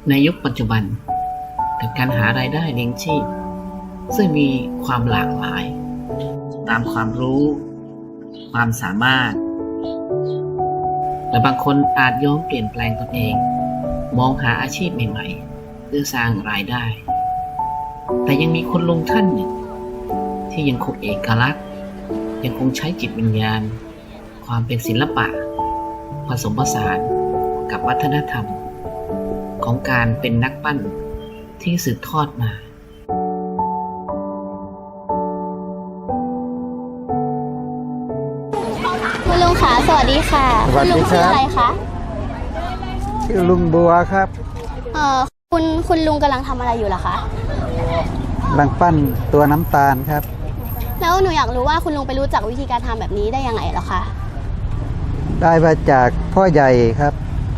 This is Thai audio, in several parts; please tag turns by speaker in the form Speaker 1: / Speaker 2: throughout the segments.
Speaker 1: ในยุคปัจจุบันกับการหารายได้เลี้ยงชีพซึ่งมีความหลากหลายตามความรู้ความสามารถและบางคนอาจยอมเปลี่ยนแปลงตนเองมองหาอาชีพใหม่ๆเพื่อสร้างรายได้แต่ยังมีคุณลุงท่านหนึ่งที่ยังคงเอกลักษณ์ยังคงใช้จิตวิญญาณความเป็นศิลปะผสมผสานกับวัฒนธรรมของการเป็นนักปั้นที่สืบทอดมา
Speaker 2: คุณลุงค่ะสวัสดีค่ะคุณลุงชื่ออะไรคะ
Speaker 3: ชื่อลุงบัวครับ
Speaker 2: คุณลุงกำลังทำอะไรอยู่ล่ะคะ
Speaker 3: กำลังปั้นตัวน้ำตาลครับ
Speaker 2: แล้วหนูอยากรู้ว่าคุณลุงไปรู้จักวิธีการทำแบบนี้ได้ยังไงเหรอคะ
Speaker 3: ได้มาจากพ่อใหญ่ครับ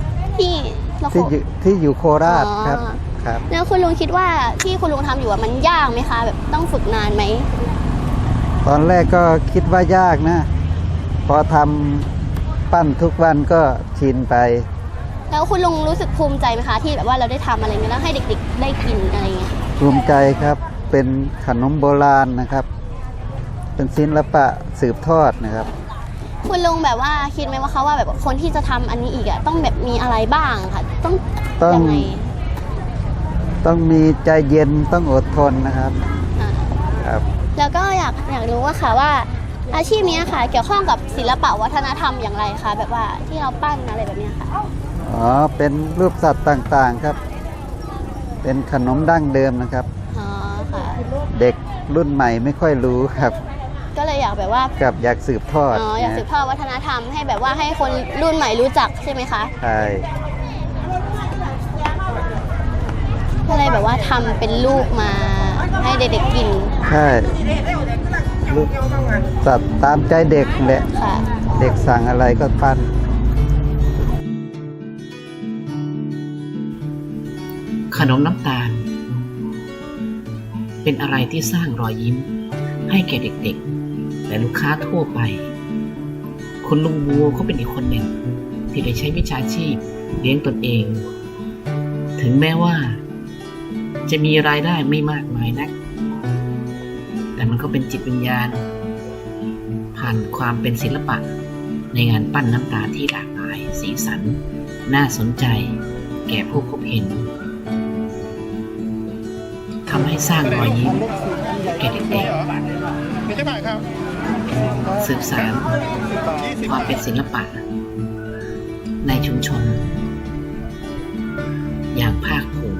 Speaker 3: ที่อยู่โคราชครับ
Speaker 2: แล้วคุณลุงคิดว่าที่คุณลุงทำอยู่มันยากไหมคะแบบต้องฝึกนานไหม
Speaker 3: ตอนแรกก็คิดว่ายากนะพอทำปั้นทุกวันก็ชินไป
Speaker 2: แล้วคุณลุงรู้สึกภูมิใจไหมคะที่แบบว่าเราได้ทำอะไรเงี้ยแล้วให้เด็กๆได้กินอะไรเงี้ย
Speaker 3: ภูมิใจครับเป็นขนมโบราณนะครับเป็นศิลปะสืบทอดนะครับ
Speaker 2: คุณลุงแบบว่าคิดไหมว่าเขาว่าแบบคนที่จะทำอันนี้อีกต้องแบบมีอะไรบ้างค่ะต้องยังไง
Speaker 3: ต้องมีใจเย็นต้องอดทนนะครับ
Speaker 2: ครับแล้วก็อยากรู้ว่าค่ะว่าอาชีพนี้ค่ะเกี่ยวข้องกับศิลปะวัฒนธรรมอย่างไรคะแบบว่าที่เราปั้นอะไรแบบนี้ค่ะ
Speaker 3: เป็นรูปสัตว์ต่างๆครับเป็นขนมดั้งเดิมนะครับ
Speaker 2: ค่ะ
Speaker 3: เด็กรุ่นใหม่ไม่ค่อยรู้ครับ
Speaker 2: ก็เลยอยากแบบว่า
Speaker 3: อยากสืบทอด
Speaker 2: อยากสืบทอดวัฒนธรรมให้แบบว่าให้คนรุ่นใหม่รู้จักใช่ไหมคะ
Speaker 3: ใช่
Speaker 2: ก็เลยแบบว่าทำเป็นลูกมาให้เด็กๆกิน
Speaker 3: ใช่ลูกสัตว์ตามใจเด็กแหละเด็กสั่งอะไรก็ปั้น
Speaker 1: ขนมน้ำตาลเป็นอะไรที่สร้างรอยยิ้มให้แก่เด็กๆและลูกค้าทั่วไปคุณลุงบัวเขาเป็นอีกคนหนึ่งที่ได้ใช้วิชาชีพเลี้ยงตนเองถึงแม้ว่าจะมีรายได้ไม่มากมายนักแต่มันก็เป็นจิตวิญญาณผ่านความเป็นศิลปะในงานปั้นน้ำตาลที่หลากหลายสีสันน่าสนใจแก่ผู้พบเห็นทำให้สร้างรอยยิ้มแก่เด็กๆสืบสานความเป็นศิลปะในชุมชนอย่างภาคภูมิ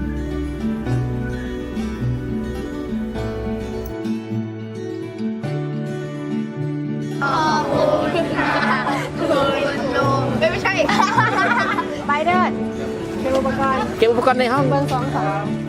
Speaker 2: ไม่ใช่ไปเดินเก็บอุปกรณ์ในห้องเบอร์2